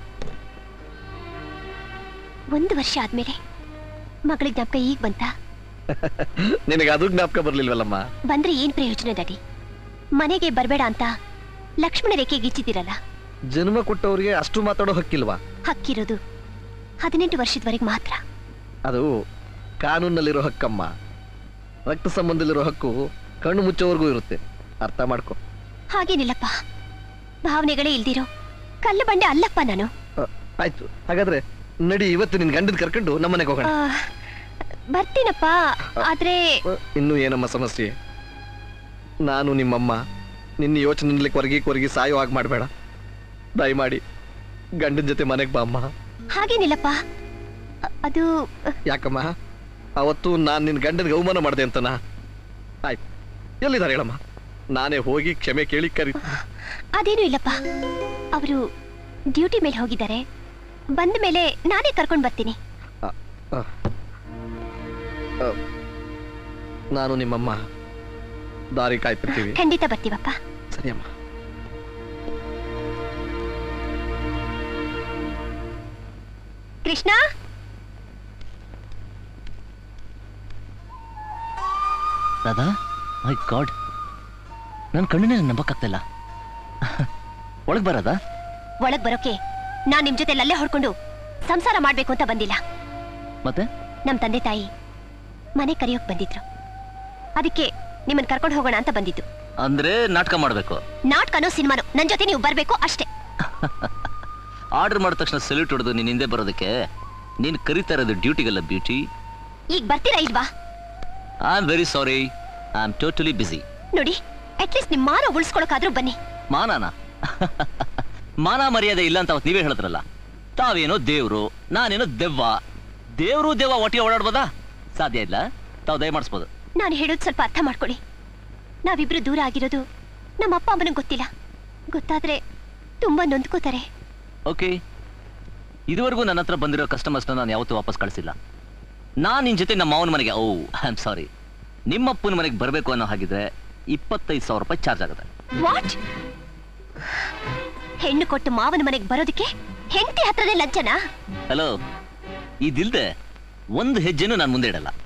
1 ವರ್ಷ ಆದ್ಮೇಲೆ ಮಗಳ ಜ್ಞಾಪಕ ಈಗ ಬಂತ? ನಿನಗೆ ಅದು ಜ್ಞಾಪಕ ಬರ್ಲಿಲ್ವಲ್ಲಮ್ಮ? ಬಂದ್ರೆ ಏನ್ ಪ್ರಯೋಜನ ಡ್ಯಾಡಿ? ಮನೆಗೆ ಬರ್ಬೇಡ ಅಂತ ಲಕ್ಷ್ಮಣ ರೇಖೆ ಗಿಚ್ಚಿದಿರಲ್ಲ. ಜನ್ಮ ಕೊಟ್ಟವ್ರಿಗೆ ಅಷ್ಟು ಮಾತಾಡೋ ಹಕ್ಕಿಲ್ವಾ? ಹಕ್ಕಿರೋದು 18 ವರ್ಷದವರೆಗೆ ಮಾತ್ರ. ಅದು ಕಾನೂನಲ್ಲಿರೋ ಹಕ್ಕಮ್ಮ. ರಕ್ತ ಸಂಬಂಧದಲ್ಲಿರೋ ಹಕ್ಕು ಕಣ್ಣು ಮುಚ್ಚೋವರೆಗೂ ಇರುತ್ತೆ. ಅರ್ಥ ಮಾಡ್ಕೊ. ಹಾಗೇನಿಲ್ಲಪ್ಪ, ಭಾವನೆಗಳೇ ಇಲ್ದಿರೋ ಕಲ್ಲು ಬಂಡೆ ಅಲ್ಲಪ್ಪ ನಾನು. ಆಯ್ತು, ಹಾಗಾದ್ರೆ ನಡಿ, ಇವತ್ತು ನಿನ್ ಗಂಡನ್ ಕರ್ಕೊಂಡು ನಮ್ಮನೆಗೆ ಹೋಗೋಣ. ಬರ್ತೀನಪ್ಪ, ಆದ್ರೆ ಇನ್ನು ಏನಮ್ಮ ಸಮಸ್ಯೆ? ನಾನು ನಿಮ್ಮಮ್ಮ ನಿನ್ನ ಯೋಚನೆಯಲ್ಲಿ ಕೊರಗಿ ಸಾಯೋ ಹಾಗೆ ಮಾಡಬೇಡ. ದಯಮಾಡಿ ಗಂಡನ ಜೊತೆ ಮನೆಗೆ ಬಾ ಅಮ್ಮ. ಹಾಗೇನಿಲ್ಲಪ್ಪ, ಅದು ಯಾಕಮ್ಮ? ಅವತ್ತು ನಾನು ನಿನ್ನ ಗಂಡನಿಗೆ ಅವಮಾನ ಮಾಡಿದೆ ಅಂತನಾ? ಆಯ್ತು, ಎಲ್ಲಿದ್ದಾರೆ ಹೇಳಮ್ಮ, ನಾನೇ ಹೋಗಿ ಕ್ಷಮೆ ಕೇಳಿ ಕರಿ. ಅದೇನು ಇಲ್ಲಪ್ಪ, ಅವರು ಡ್ಯೂಟಿ ಮೇಲೆ ಹೋಗಿದ್ದಾರೆ. ಬಂದ ಮೇಲೆ ನಾನೇ ಕರ್ಕೊಂಡು ಬರ್ತೀನಿ. ನಾನು ನಿಮ್ಮಮ್ಮ ದಾರಿ ಕಾಯ್ತಿರ್ತೀವಿ. ಖಂಡಿತ ಬರ್ತೀವಪ್ಪ. ಸರಿ ಅಮ್ಮ. ಕೃಷ್ಣ, ರಾಧಾ, ಮೈ ಗಾಡ್, ನನ್ನ ಕಣ್ಣನ್ನೇ ನಂಬಕ್ಕಾಗ್ತಿಲ್ಲ. ಒಳಗ್ ಬರೋದಾ? ಒಳಗ್ ಬರೋಕೆ ನಾನ್ ನಿಮ್ ಜೊತೆ ಅಲ್ಲೇ ಹೊಡ್ಕೊಂಡು ಸಂಸಾರ ಮಾಡ್ಬೇಕು ಅಂತ ಬಂದಿಲ್ಲ. ಮತ್ತೆ ನಮ್ ತಂದೆ ತಾಯಿ ಮನೆ ಕರೆಯೋಕ್ ಬಂದಿದ್ರು, ಅದಕ್ಕೆ ನಿಮ್ಮನ್ ಕರ್ಕೊಂಡು ಹೋಗೋಣ ಅಂತ ಬಂದಿದ್ದು. ಅಂದ್ರೆ ನಾಟಕ ಮಾಡ್ಬೇಕು? ನಾಟಕನೋ ಸಿನಿಮಾನೋ ನನ್ ಜೊತೆ ನೀವು ಬರ್ಬೇಕು ಅಷ್ಟೇ. ಆರ್ಡರ್ ಮಾಡಿದ ತಕ್ಷಣ ಸೆಲ್ಯೂಟ್ ಹೊಡೆದು ನೀನ್ ಹಿಂದೆ ಬರೋದಕ್ಕೆ ನೀನ್ ಕರೀತಾ ಇರೋದು ಡ್ಯೂಟಿಗಲ್ಲ ಬ್ಯೂಟಿ. ಈಗ ಬರ್ತೀರಾ ಇಲ್ವಾ? I am very sorry, I am totally busy. ನೋಡಿ, ಅಟ್ಲೀಸ್ಟ್ ನಿಮ್ ಮಾನ ಉಳಿಸ್ಕೊಳಕಾದ್ರೂ ಬನ್ನಿ. ಮಾನನ? ಮಾನ ಮರ್ಯಾದೆ ಇಲ್ಲ ಅಂತ ಅವತ್ತು ನೀವೇ ಹೇಳಿದ್ರಲ್ಲ. ತಾವೇನೋ ದೇವ್ರು, ನಾನೇನೋ ದೆವ್ವ. ದೇವ್ರು ದೆವ್ವ ಒಟ್ಟಿಗೆ ಓಡಾಡ್ಬೋದಾ? ಸಾಧ್ಯ ಇಲ್ಲ. ತಾವು ದಯ ಮಾಡಿಸ್ಬೋದು. ನಾನು ಹೇಳೋದು ಸ್ವಲ್ಪ ಅರ್ಥ ಮಾಡ್ಕೊಳ್ಳಿ. ನಾವಿಬ್ರು ದೂರ ಆಗಿರೋದು ನಮ್ಮ ಅಪ್ಪ ಅಮ್ಮನಿಗೆ ಗೊತ್ತಿಲ್ಲ. ಗೊತ್ತಾದ್ರೆ ತುಂಬಾ ನೊಂದ್ಕೋತಾರೆ. ಓಕೆ, ಇದುವರೆಗೂ ನನ್ನ ಹತ್ರ ಬಂದಿರೋ ಕಸ್ಟಮರ್ಸ್ನ ನಾನು ಯಾವತ್ತೂ ವಾಪಸ್ ಕಳಿಸಿಲ್ಲ. ನಾನು ನಿನ್ ಜೊತೆ ನಮ್ಮ ಮಾವನ ಮನೆಗೆ, ಓ ಐ ಆಮ್ ಸಾರಿ, ನಿಮ್ಮಪ್ಪನ ಮನೆಗೆ ಬರಬೇಕು ಅನ್ನೋ ಹಾಗಿದ್ರೆ 25,000 ರೂಪಾಯಿ ಚಾರ್ಜ್ ಆಗುತ್ತೆ. ವಾಟ್? ಹೆಣ್ಣು ಕೊಟ್ಟು ಮಾವನ ಮನೆಗೆ ಬರೋದಕ್ಕೆ ಹೆಂಡತಿ ಹತ್ರನೇ ಲಂಚನಾ? ಹಲೋ, ಇದಿಲ್ದೆ ಒಂದು ಹೆಜ್ಜೆನೂ ನಾನು ಮುಂದೆ ಇಡಲ್ಲ.